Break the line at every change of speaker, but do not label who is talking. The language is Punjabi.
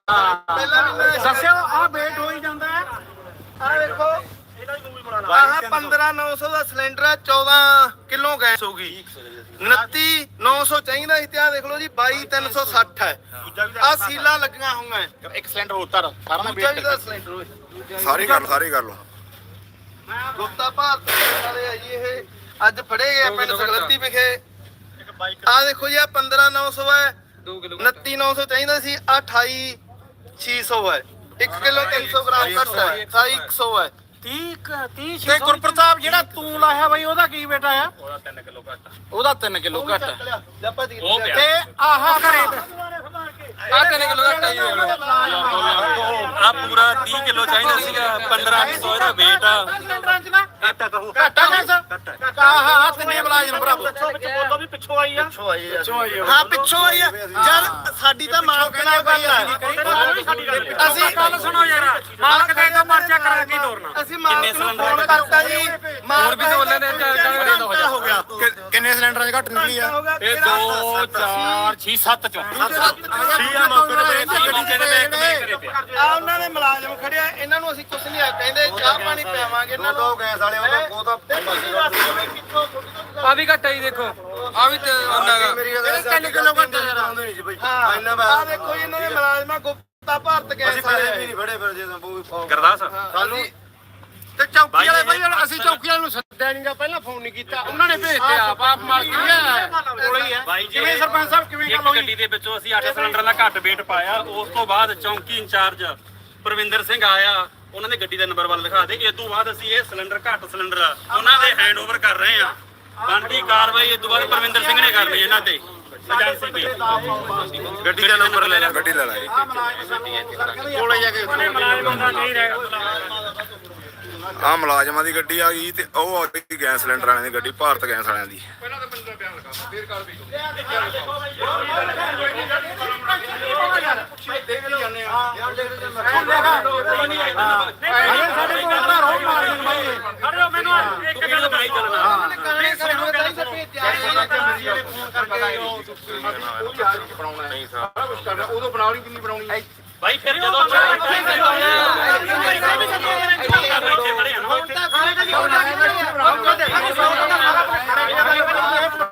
ਪਹਿਲਾਂ ਮਹੀਨਾ
ਦੱਸਿਓ ਆ ਵੇਟ ਹੋ ਹੀ ਜਾਂਦਾ ਹੈ।
ਆ ਦੇਖੋ ਆਹ 15,900 ਦਾ ਸਿਲੰਡਰ ਆ, 14 ਕਿਲੋ ਗੈਸ ਹੋਗੀ। 29,900 ਚਾਹੀਦਾ ਸੀ ਤੇ ਆ ਦੇਖ ਲਓ ਜੀ 22,360 ਹੈ। ਆ ਸੀਲਾਂ ਲੱਗੀਆਂ ਹੋਈਆਂ।
ਇੱਕ ਸਿਲੰਡਰ ਉਤਰ ਸਾਰਾ ਨਾ
ਦੂਜਾ ਵੀ ਦਾ ਸਿਲੰਡਰ ਓਏ
ਸਾਰੀ ਕਰ ਲਓ
ਗੁਪਤਾ ਭਾਰਤ ਵਾਲੇ ਆ ਜੀ ਇਹ ਅੱਜ ਫੜੇ ਗਏ ਪਿੰਡ ਸਗਲਤੀ ਵਿਖੇ। ਆ ਦੇਖੋ ਜੀ ਆ 15,900 ਹੈ, 29,900 ਚਾਹੀਦਾ ਸੀ, 28,600 ਹੈ। 1 ਕਿਲੋ 300 ਗ੍ਰਾਮ ਘੱਟ ਹੈ, 28,100 ਹੈ।
30 ਤੇ ਗੁਰਪ੍ਰਤਾਪ ਜਿਹੜਾ ਤੂੰ ਲਾਇਆ ਬਾਈ ਉਹਦਾ ਕੀ ਬੇਟਾ ਆ? ਉਹਦਾ 3 ਕਿਲੋ ਘੱਟ ਤੇ ਆਹ ਘਰੇ
ਆ 3 ਕਿਲੋ ਘੱਟ ਆ ਜੀ। ਆ ਪੂਰਾ 30 ਕਿਲੋ ਚਾਹੀਦਾ ਸੀਗਾ, 1500 ਇਹਦਾ weight ਆ।
ਘੱਟਾ ਗੈਸ ਆਹ ਤਿੰਨੇ ਮੁਲਾਜ਼ਮ ਭਰਾਵੋ ਬੋਲੋ ਵੀ ਪਿੱਛੋਂ ਆਈ ਆ।
ਹਾਂ ਪਿੱਛੋਂ ਆਈ ਆ ਯਾਰ, ਸਾਡੀ ਤਾਂ ਮਾਲਕ ਨਾਲ ਗੱਲ ਹੈ।
ਅਸੀਂ ਗੱਲ ਸੁਣੋ ਯਾਰ, ਮਾਲਕ ਦੇ ਤੋਂ ਪਰਚਾ ਕਰਾ ਕੇ ਤੋਰਨਾ।
ਅਸੀਂ ਮਾਲਕ ਨੂੰ ਫੋਨ ਕਰਤਾ ਜੀ, ਮਾਲਕ ਵੀ ਬੋਲੇ ਨੇ ਹੋ ਗਿਆ।
ਕਿੰਨੇ ਸਿਲੰਡਰਾਂ 'ਚ ਘੱਟ ਨਿਕਲੀ ਆ?
ਇਹ 2 4 6 7 ਚੋਂ
ਆ ਉਹਨਾਂ ਦੇ ਮੁਲਾਜ਼ਮ ਖੜਿਆ, ਇਹਨਾਂ ਨੂੰ ਅਸੀਂ ਕੁਝ ਨਹੀਂ ਆ ਕਹਿੰਦੇ, ਚਾਹ ਪਾਣੀ ਪਿਆਵਾਂਗੇ ਇਹਨਾਂ ਨੂੰ।
ਗੈਸ ਵਾਲੇ ਉਹ ਤਾਂ
ਆ ਵੀ ਘੱਟ ਆ ਜੀ, ਦੇਖੋ ਆ ਵੀ
ਮੇਰੀ ਗੱਲ 3 ਕਿਲੋ ਘੱਟ ਆਉਂਦੇ ਨਹੀਂ ਸੀ ਬਈ। ਇੰਨਾ
ਆ ਦੇਖੋ ਜੀ ਇਹਨਾਂ ਦੇ ਮੁਲਾਜ਼ਮਾਂ ਗੁਪਤਾ ਭਾਰਤ ਗੈਸ ਵਾਲੇ
ਨਹੀਂ ਫੜੇ ਫਿਰ ਜੇ
ਗਰਦਾਸ
ਸਾਨੂੰ
ਤੇ ਚੌਕੀ ਵਾਲੇ ਬਾਈ ਅਸੀਂ ਚੌਕੀ ਵਾਲੇ ਨੂੰ ਸੱਦਿਆ ਨਹੀਂਗਾ, ਪਹਿਲਾਂ ਫੋਨ ਨਹੀਂ ਕੀਤਾ, ਉਹਨਾਂ ਨੇ ਭੇਜਤੇ ਆਪ ਮਾਲਕ ਕੋਲੇ ਹੀ ਹੈ। ਕਿਵੇਂ ਸਰਪੰਚ ਸਾਹਿਬ ਕਿਵੇਂ ਗੱਲ ਹੋਈ?
ਗੱਡੀ ਦੇ ਵਿੱਚੋਂ ਅਸੀਂ 8 ਸਿਲੰਡਰ ਦਾ ਘੱਟ weight ਪਾਇਆ। ਉਸ ਤੋਂ ਬਾਅਦ ਚੌਂਕੀ ਇੰਚਾਰਜ ਪ੍ਰਵਿੰਦਰ ਸਿੰਘ ਆਇਆ, ਉਹਨਾਂ ਨੇ ਗੱਡੀ ਦਾ ਨੰਬਰ ਵੱਲ ਦਿਖਾ ਦੇ। ਇਸ ਤੋਂ ਬਾਅਦ ਅਸੀਂ ਇਹ ਸਿਲੰਡਰ ਘੱਟ ਸਿਲੰਡਰ ਆ ਉਹਨਾਂ ਦੇ ਹੈਂਡਓਵਰ ਕਰ ਰਹੇ ਆ। ਬਣਦੀ ਕਾਰਵਾਈ ਇਸ ਤੋਂ ਬਾਅਦ ਪ੍ਰਵਿੰਦਰ ਸਿੰਘ ਨੇ ਕਰਨੀ ਇਹਨਾਂ ਤੇ ਏਜੰਸੀ ਤੇ।
ਗੱਡੀ ਦਾ ਨੰਬਰ ਲੈ ਲੈ, ਗੱਡੀ ਲੈ ਲੈ
ਕੋਲੇ ਜਾ ਕੇ
ਆ ਮੁਲਾਜ਼ਮਾਂ ਦੀ ਗੱਡੀ ਆ ਗਈ ਤੇ ਉਹ ਆ ਗਈ ਗੈਸ ਸਿਲੰਡਰ ਵਾਲਿਆਂ ਦੀ ਗੱਡੀ, ਭਾਰਤ ਗੈਸ ਵਾਲਿਆਂ ਦੀ।
ਉਦੋਂ ਬਣਾਉਣੀ ਕਿੰਨੀ ਬਣਾਉਣੀ
ਭਾਈ ਫਿਰ ਜਦੋਂ
ਹੁਣ ਤਾਂ